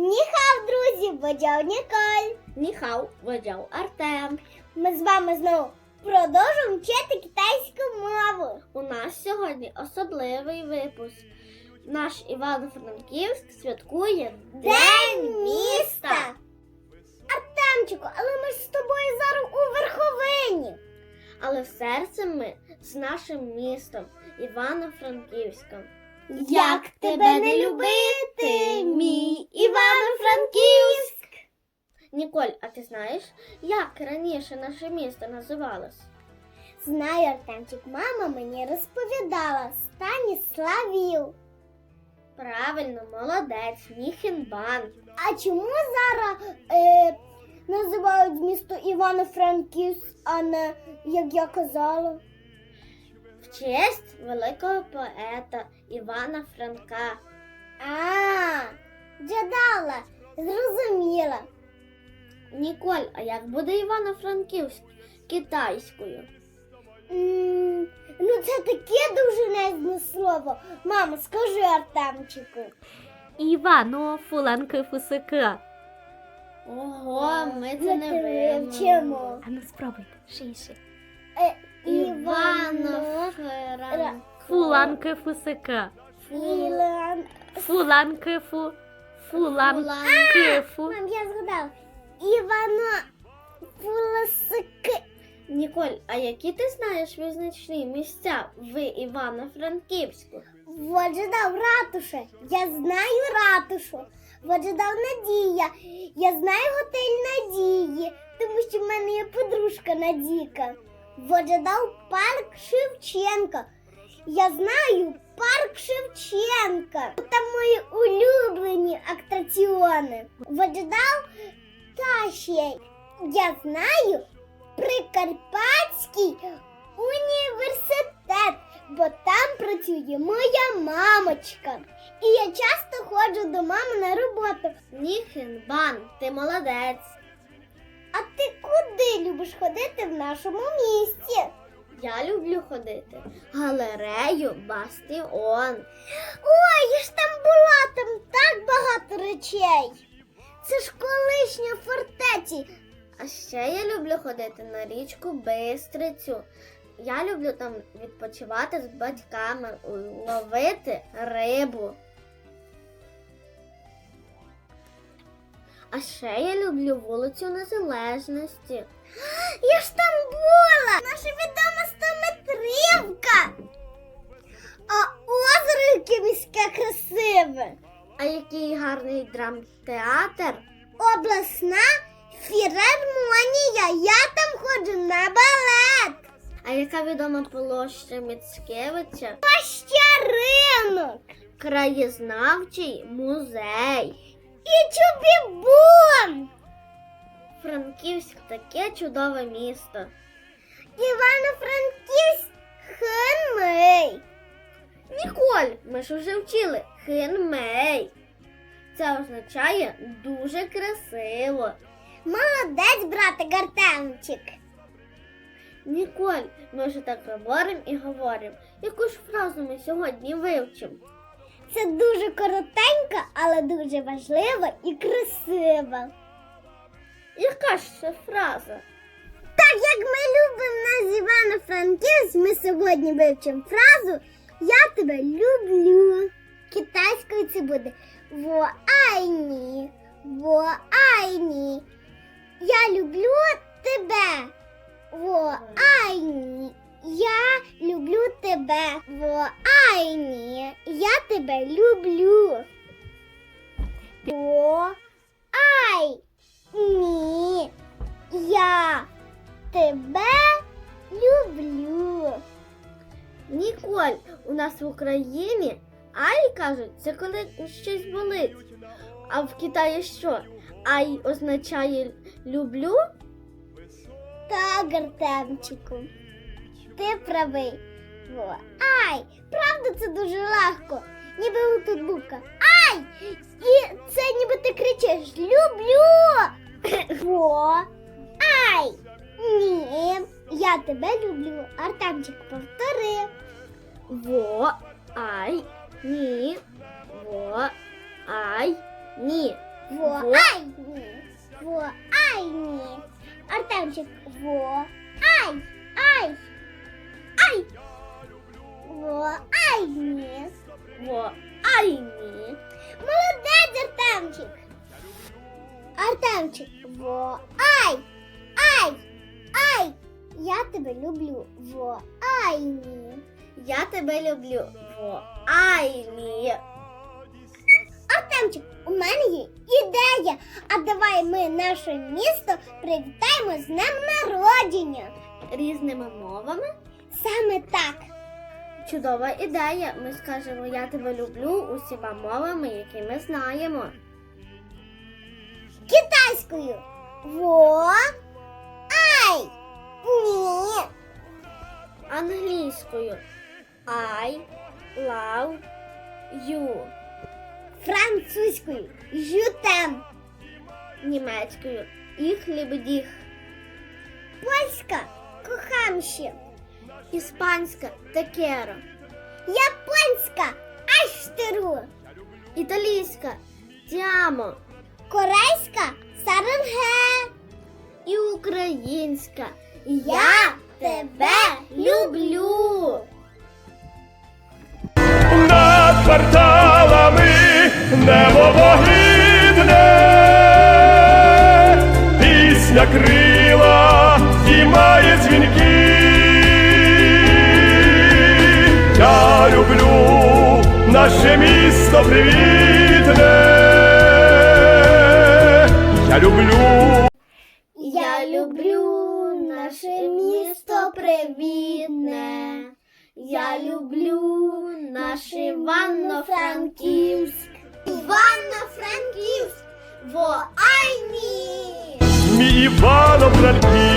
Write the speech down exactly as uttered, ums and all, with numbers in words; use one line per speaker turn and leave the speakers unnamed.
Ніхав, друзі, водяв Ніколь.
Ніхау, водяв Артем.
Ми з вами знову продовжуємо вчити китайську мову.
У нас сьогодні особливий випуск. Наш Івано-Франківськ святкує
День міста. Артемчику, але ми ж з тобою зараз у Верховині.
Але в серці ми з нашим містом Івано-Франківськом.
Як тебе не любити, мій Івано-Франківськ?
Ніколь, а ти знаєш, як раніше наше місто називалось?
Знаю, Артемчик, мама мені розповідала. Станіславів.
Правильно, молодець, Міхенбан.
А чому зараз е, називають місто Івано-Франківськ, а не, як я казала?
В честь великого поета Івана Франка.
А, джадала, зрозуміла.
Ніколь, а як буде Івано-Франківськ китайською?
М, ну це таке довжелезне слово. Мама, скажи Артемчику.
Івано Фуланки Фусика.
Ого, ми це
Ми
не
це
вивчимо.
вивчимо.
А ну спробуйте, шише.
Е,
Івано-Франк.
Фуланки Фусика.
Ілан.
Фуланки Фу. Фуланки Фу.
Мам, я згадала. Івано Фуласики.
Ніколь, а які ти знаєш визначні місця в Івано-Франківську?
Вот же дав ратуша. Я знаю ратушу. Вот же дав Надія. Я знаю готель Надії, тому що в мене є подружка Надійка. Вот же дав парк Шевченка. Я знаю парк Шевченка. Там мої улюблені атракціони. Вот же дав та ще. Я знаю Прикарпатський університет, бо там працює моя мамочка. І я часто ходжу до мами на роботу.
Міхенбан, ти молодець.
А ти куди любиш ходити в нашому місті?
Я люблю ходити в галерею Бастіон.
Ой, я ж там була, там так багато речей. Це ж колишня фортеці.
А ще я люблю ходити на річку Бистрицю. Я люблю там відпочивати з батьками, ловити рибу. А ще я люблю вулицю Незалежності.
Я ж там була. Наша відома стометрівка. А озеро яке міське красиве.
А який гарний драмтеатр.
Обласна філармонія. Я там ходжу на балет.
А яка відома площа Міцкевича?
Ще ринок.
Краєзнавчий музей.
І Чубібун.
Франківськ таке чудове місто.
Івано-Франківськ хинмий.
Ніколь, ми ж вже вчили хинмей. Це означає дуже красиво.
Молодець, братик Артемчик.
Ніколь, ми вже так говоримо і говоримо. Яку ж фразу ми сьогодні вивчимо?
Це дуже коротенька, але дуже важлива і красива.
Яка ж це фраза?
Так як ми любимо нас Івано-Франківськ, ми сьогодні вивчимо фразу «Я тебе люблю». Китайською це буде «Во айні», «Во айні». Я люблю тебе. «Во айні». Я люблю тебе. «Во айні». Я тебе люблю. «Во айні». Я тебе люблю.
Ніколь, у нас в Україні ай кажуть, це коли щось болить. А в Китаї що? Ай означає люблю?
Так, Артемчику, ти правий. Во, ай, правда, це дуже легко. Ніби тут буква ай. І це ніби ти кричиш люблю. Во, ай. Ні, я тебе люблю. Артемчик, повтори.
Во, ай, ні, во, ай, ні.
Во,
Во.
ай, ні. Во, ай, ні. Артемчик, во, ай, ай, ай. Во, ай, ні.
Во, ай, ні.
Молодець, Артемчик. Артемчик, во, ай, ай, ай. Я тебе люблю. Во, ай, ні.
Я тебе люблю. Во, ай, ні.
Артемчик, у мене є ідея. А давай ми наше місто привітаємо з днем народження.
Різними мовами.
Саме так.
Чудова ідея. Ми скажемо «Я тебе люблю» усіма мовами, які ми знаємо.
Китайською. Во, ай, ні.
Англійською I love you.
Французькою. Жютем.
Німецькою Ich liebe dich.
Польська. Кохам ще.
Іспанська te quiero.
Японська. Аштеру.
Італійська ti amo.
Корейська. Саренге.
І українська Я тебе люблю.
Над кварталами небо вогидне, пісня крила і має дзвінки. Я люблю наше місто привітне, я люблю.
Я люблю наше місто привітне. Я люблю наш Івано-Франківськ.
Івано-Франківськ.
Во, ай, ні!
Мій Івано-Франківськ.